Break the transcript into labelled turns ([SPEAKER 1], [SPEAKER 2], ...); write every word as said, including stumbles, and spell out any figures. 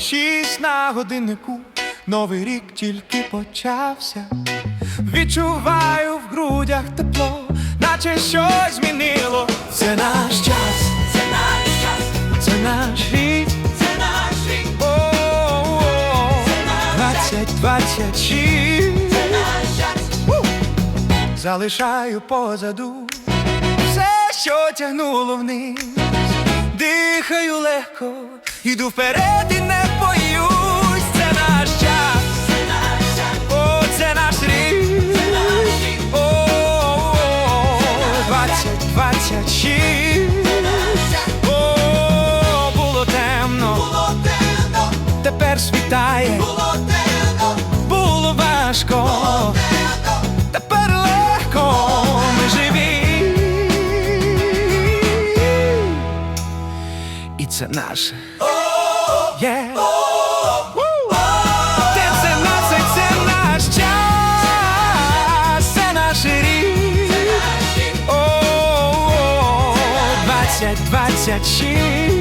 [SPEAKER 1] шість на годиннику, новий рік тільки почався. Відчуваю в грудях тепло, наче щось змінило. Це наш час,
[SPEAKER 2] Це наш час,
[SPEAKER 1] це наш рік,
[SPEAKER 2] це наш рік,
[SPEAKER 1] о-о-о, двадцять двадцять шість.
[SPEAKER 2] це наш час.
[SPEAKER 1] Залишаю позаду все, що тягнуло вниз. Дихаю легко, іду вперед і не боюсь. Це наш час,
[SPEAKER 2] Це наш час,
[SPEAKER 1] о, це наш рік,
[SPEAKER 2] це наш рік,
[SPEAKER 1] о-о-о, двадцять двадцять шість.
[SPEAKER 2] це наш час.
[SPEAKER 1] О, було темно,
[SPEAKER 2] Було темно,
[SPEAKER 1] тепер світає,
[SPEAKER 2] було темно,
[SPEAKER 1] було важко,
[SPEAKER 2] темно.
[SPEAKER 1] тепер легко, ми живі. І це наше. Є. Те це наше, це наш час, це наш рік. О, двадцять двадцять шість.